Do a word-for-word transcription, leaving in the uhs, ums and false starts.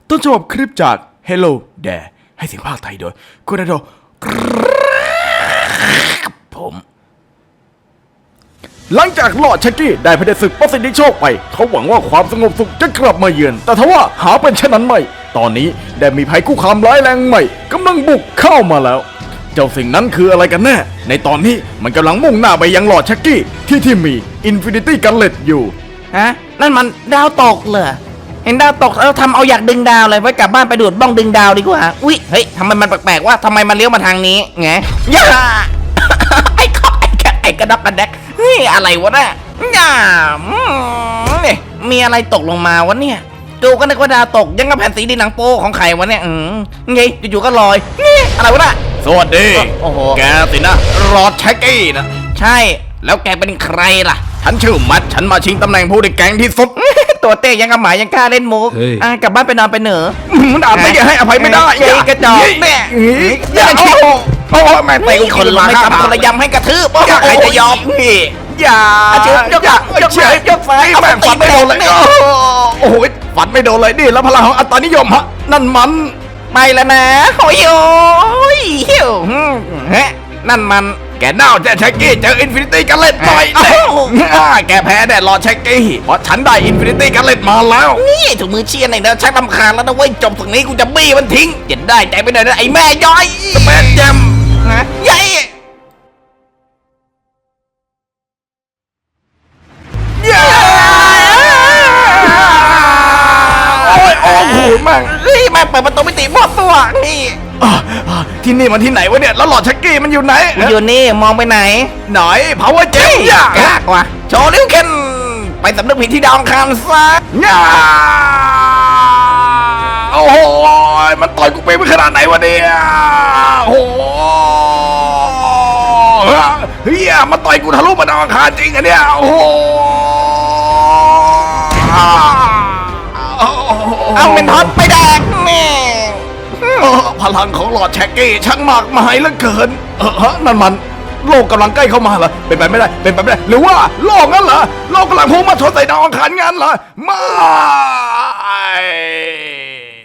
ต้นฉบับคลิปจาก Hello There ให้เสียงภาคไทยโดยคุณอาโดผมหลังจากลอร์ดชักกี้ได้พเผด็จศึกประสิทธิโชคไปเขาหวังว่าความสงบสุขจะกลับมาเยือนแต่ทว่าหาเป็นเช่นนั้นไม่ตอนนี้ได้มีภัยคุกคามร้ายแรงใหม่กำลังบุกเข้ามาแล้วเจ้าสิ่งนั้นคืออะไรกันแน่ในตอนนี้มันกำลังมุ่งหน้าไปยังลอร์ดชักกี้ที่ที่มี Infinity Gauntlet อยู่ฮะนั่นมันดาวตกเหรอเห็นดาวตกแล้วทำเอาอยากดึงดาวเลยไว้กลับบ้านไปดูดบ้องดึงดาวดีกว่าอุ๊ยเฮ้ยทำไมมันแปลกๆว่าทำไมมันเลี้ยวมาทางนี้ไงย่า ไอ้ข้อไอ้กระไอ้กระดักกระแดกนี่อะไรวะน่ะย่าเนี่ยมีอะไรตกลงมาวะเนี่ยดูก็นึกว่าดาวตกยังกับแผ่นสีดินหนังโป้ของใครวะเนี่ยอืมไงอยู่ๆก็ลอยนี่อะไรวะน่ะสวัสดีโอ้โหแกสินะลอร์ดชักกี้นะใช่แล้วแกเป็นใครล่ะฉันชื่อมัดฉันมาชิงตำแหน่งผู้ได้แกงที่สุดตัวเต้ยังกับหมายังกล้าเล่นมุกอ่ะกลับบ้านไปนอนไปเหนือมันอาจไม่ให้อภัยไม่ได้ไอ้กระจอกแม่อย่อาย่าโอ้โหโอ้โหแม่ไม่ตีคนละไม่ทำคนละยำให้กระทืบใครจะยอมพี่อย่าอาชีพยกหลังยกซ้ายยกซ้ายแม่ฝันไม่โดนเลยโอ้โหฝันไม่โดนเลยนี่แล้วพลังของอัตตานิยมฮะนั่นมันไปแล้วนะโอ้ยโอ้ยเฮียวฮะนั่นมันแกเน่าแจ๊ชักกี้เจออินฟินิตี้กันเล็ดต่อยแกแพ้แน่รอชักกี้เพราะฉันได้อินฟินิตี้กันเล็ดมาแล้วนี่ถูกมือเชียร์หน่อยนะชักลำคาญแล้วนะเว้ยจบตรงนี้กูจะบี้มันทิ้งเจ็ดได้ใจไปหน่อยนะไอ้แม่ย้อยแม่แจมฮะยัยโอ้ยโอ้โหแม่งเฮ้ยแม่เปิดประตูมิติบอดตัวนี่ที่นี่มันที่ไหนวะเนี่ยแล้วหลอดชักกี้มันอยู่ไหนอยู่นี่มองไปไหนไหนพาวเวอร์เจมย่ากากว่ะโชว์ลิ้วเคนไปสำนึกผิดที่ดาวอังคารซะย่าโอ้โหมันต่อยกูไปไม่ขนาดไหนวะเนี่ยโอ้โหเฮียมันต่อยกูทะลุมาดาวอังคารจริงอะเนี่ยโอ้โหเอาเป็นท็อตไปแดกแม่พลังของหลอดแช็กกี้ช่างมากมายเหลือเกินเออฮะนั่นมันโลกกำลังใกล้เข้ามาเหรอเป็นไปไม่ได้เป็นไปไม่ได้หรือว่าโลกงั้นเหรอโลกกำลังพุ่งมาชนใส่ดาวอังคารงั้นเหรอไม่